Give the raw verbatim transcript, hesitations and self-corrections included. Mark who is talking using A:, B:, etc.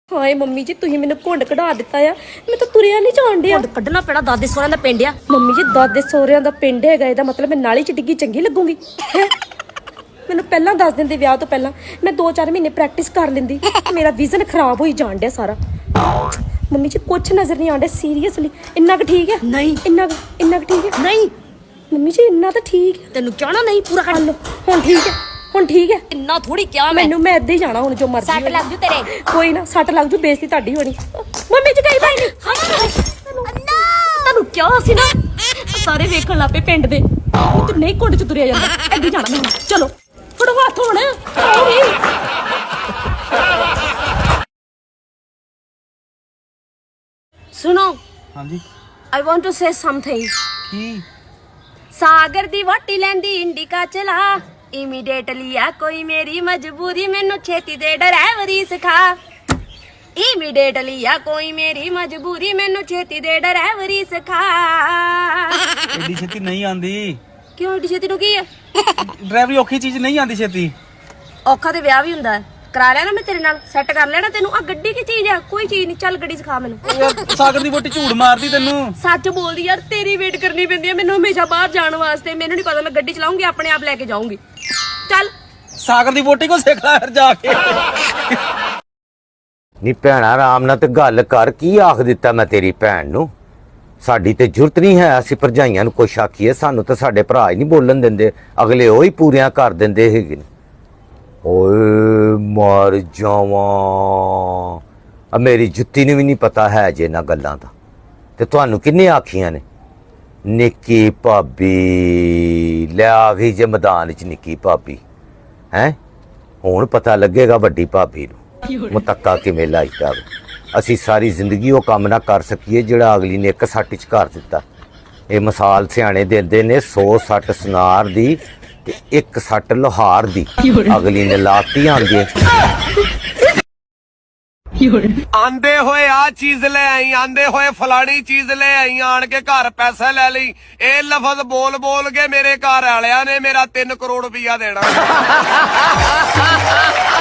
A: हाय mummy जी तुही मैंने घुंड कढ़ा दिता है मैं तो तुरिया नहीं जान दिया
B: घुंड कढ़ना पैना दादे सोहरिਆਂ ਦਾ ਪਿੰਡ ਆ
A: मम्मी जी दादे ਸਹੁਰਿਆਂ ਦਾ ਪਿੰਡ ਹੈਗਾ ਇਹਦਾ ਮਤਲਬ ਮੈਂ ਨਾਲੀ ਚ ਡਿੱਗੀ ਚੰਗੀ ਲੱਗੂਗੀ ਮੈਨੂੰ ਪਹਿਲਾਂ ਦੱਸ ਦਿੰਦੇ ਵਿਆਹ ਤੋਂ ਪਹਿਲਾਂ ਮੈਂ ਦੋ ਚਾਰ ਮਹੀਨੇ ਪ੍ਰੈਕਟਿਸ ਕਰ ਲੈਂਦੀ ਮੇਰਾ ਵਿਜ਼ਨ ਖਰਾਬ ਹੋਈ ਜਾਣ ਡਿਆ ਸਾਰਾ ਮੰਮੀ ਜੀ ਕੁਝ ਨਜ਼ਰ ਨਹੀਂ ਆਉਂਦਾ ਸੀਰੀਅਸਲੀ ਇੰਨਾ ਕੁ ਠੀਕ ਹੈ
B: ਨਹੀਂ
A: ਇੰਨਾ ਕੁ- ਇੰਨਾ ਕੁ ਠੀਕ ਹੈ
B: ਨਹੀਂ
A: ਮੰਮੀ ਜੀ ਇੰਨਾ ਤਾਂ ਠੀਕ ਹੈ
B: ਤੈਨੂੰ ਚਾਹਣਾ ਨਹੀਂ ਪੂਰਾ ਕਰ
A: ਲਓ ਹੁਣ ਠੀਕ ਹੈ ਹੁਣ ਠੀਕ ਹੈ
B: ਇੰਨਾ ਥੋੜੀ ਕਿਹਾ ਮੈਂ
A: ਮੈਨੂੰ ਮੈਂ ਇੱਦਾਂ ਹੀ ਜਾਣਾ ਹੁਣ ਜੋ ਮਰਜ਼ੀ
B: ਸੱਟ
A: ਹੋਏ।
B: ਲੱਗ ਜੂ ਤੇਰੇ
A: ਕੋਈ ਨਾ ਸੱਟ ਲੱਗ ਜੂ ਬੇਇੱਜ਼ਤੀ ਤੁਹਾਡੀ ਹੋਣੀ ਮੰਮੀ ਜੀ ਕਹੀ ਬਾਈ ਨਹੀਂ ਤੁਹਾਨੂੰ ਕਿਹਾ ਸੀ ਨਾ ਸਾਰੇ ਵੇਖਣ ਲੱਪੇ ਪਿੰਡ ਦੇ ਉਹ ਤੇ ਨਹੀਂ ਕੁੰਡ ਚ ਤੁਰਿਆ ਜਾਂਦਾ ਇੱਦਾਂ ਜਾਣਾ ਮੈਨੂੰ ਚਲੋ ਫੜੋ ਹੱਥ ਹੁਣ
B: ਸੁਣੋ
C: ਹਾਂਜੀ
B: I want to say something
C: ਕੀ
B: ਸਾਗਰ ਦੀ ਵਾਟੀ ਲੈਂਦੀ ਇੰਡੀਕਾ ਚਲਾ ਇਮੀਡੀਏਟਲੀ ਆ ਕੋਈ ਮੇਰੀ ਮਜਬੂਰੀ ਮੈਨੂੰ ਛੇਤੀ ਦੇ ਡਰਾਈਵਰੀ ਸਿਖਾ ਇਮੀਡੀਏਟਲੀ ਆ ਕੋਈ ਮੇਰੀ ਮਜਬੂਰੀ ਮੈਨੂੰ ਛੇਤੀ ਦੇ ਡਰਾਈਵਰੀ ਸਿਖਾ
C: ਐਡੀ ਛੇਤੀ ਨਹੀਂ ਆਂਦੀ
B: ਕਿਉਂ ਏਡੀ ਛੇਤੀ ਨੂੰ ਕੀ ਹੈ
C: ਡਰਾਈਵਰੀ ਔਖੀ ਚੀਜ਼ ਨਹੀਂ ਆਂਦੀ ਛੇਤੀ
B: ਔਖਾ ਤੇ ਵਿਆਹ ਵੀ ਹੁੰਦਾ ਹੈ। ਕਰਾ ਲੈਣਾ ਮੈਂ ਤੇਰੇ ਨਾਲ ਸੈੱਟ ਕਰ ਲੈਣਾ ਤੈਨੂੰ ਆ ਗੱਡੀ ਕੀ ਚੀਜ਼ ਆ ਕੋਈ ਚੀਜ਼ ਨਹੀਂ ਚੱਲ ਗੱਡੀ ਸਿਖਾ ਮੈਨੂੰ
C: ਯਾਰ ਸਾਗਰ ਦੀ ਵੋਟੀ ਝੂਠ ਮਾਰਦੀ ਤੈਨੂੰ
B: ਸੱਚ ਬੋਲਦੀ ਯਾਰ ਤੇਰੀ ਵੇਟ ਕਰਨੀ ਪੈਂਦੀ ਹੈ ਮੈਨੂੰ ਹਮੇਸ਼ਾ ਬਾਹਰ ਜਾਣ ਵਾਸਤੇ ਮੈਨੂੰ ਨਹੀਂ ਪਤਾ ਮੈਂ ਗੱਡੀ ਚਲਾਉਂਗੀ ਆਪਣੇ ਆਪ ਲੈ ਕੇ ਜਾਊਂਗੀ ਚੱਲ
C: ਸਾਗਰ ਦੀ ਵੋਟੀ ਕੋ ਸਿੱਖ ਲੈ ਫਿਰ ਜਾ ਕੇ
D: ਨੀ ਭੈਣਾ ਆਰਾਮ ਨਾਲ ਤੇ ਗੱਲ ਕਰ ਕੀ ਆਖ ਦਿੱਤਾ ਮੈਂ ਤੇਰੀ ਭੈਣ ਨੂੰ ਸਾਡੀ ਤੇ ਜੁਰਤ ਨਹੀਂ ਹੈ ਅਸੀਂ ਭਰਜਾਈਆਂ ਨੂੰ ਕੁਛ ਆਖੀਏ ਸਾਨੂੰ ਤਾਂ ਸਾਡੇ ਭਰਾ ਹੀ ਨਹੀਂ ਬੋਲਣ ਦਿੰਦੇ ਅਗਲੇ ਉਹ ਹੀ ਪੂਰੀਆਂ ਕਰ ਦਿੰਦੇ ਹੈਗੇ ਓਏ ਮਰ ਜਾਵਾਂ ਆ ਮੇਰੀ ਜੁੱਤੀ ਨੂੰ ਵੀ ਨਹੀਂ ਪਤਾ ਹੈ ਜੇ ਇਹਨਾਂ ਗੱਲਾਂ ਦਾ ਤੇ ਤੁਹਾਨੂੰ ਕਿੰਨੇ ਆਖੀਆਂ ਨੇ ਨਿੱਕੀ ਭਾਬੀ ਲੈ ਆ ਗਈ ਜੇ ਮੈਦਾਨ 'ਚ ਨਿੱਕੀ ਭਾਬੀ ਹੈ ਹੁਣ ਪਤਾ ਲੱਗੇਗਾ ਵੱਡੀ ਭਾਬੀ ਨੂੰ ਮੁਤੱਕਾ ਕਿਵੇਂ ਲਾਈਦਾ ਅਸੀਂ ਸਾਰੀ ਜ਼ਿੰਦਗੀ ਉਹ ਕੰਮ ਨਾ ਕਰ ਸਕੀਏ ਜਿਹੜਾ ਅਗਲੀ ਨੇ ਇੱਕ ਸੱਟ 'ਚ ਕਰ ਦਿੱਤਾ ਇਹ ਮਿਸਾਲ ਸਿਆਣੇ ਦਿੰਦੇ ਨੇ ਸੌ ਸੱਟ ਸੁਨਾਰ ਦੀ ਤੇ ਇੱਕ ਸੱਟ ਲੋਹਾਰ ਦੀ ਅਗਲੀ ਨੇ ਲਾਤੀ ਆਂਦੇ
E: ਆਂਦੇ ਹੋਏ ਆ ਚੀਜ਼ ਲੈ ਆਈ ਆਂਦੇ ਹੋਏ ਫਲਾਣੀ ਚੀਜ਼ ਲੈ ਆਈ ਆਣ ਕੇ ਘਰ ਪੈਸਾ ਲੈ ਲਈ ਇਹ ਲਫ਼ਜ਼ ਬੋਲ ਬੋਲ ਕੇ ਮੇਰੇ ਘਰ ਵਾਲਿਆਂ ਨੇ ਮੇਰਾ ਤਿੰਨ ਕਰੋੜ ਰੁਪਇਆ ਦੇਣਾ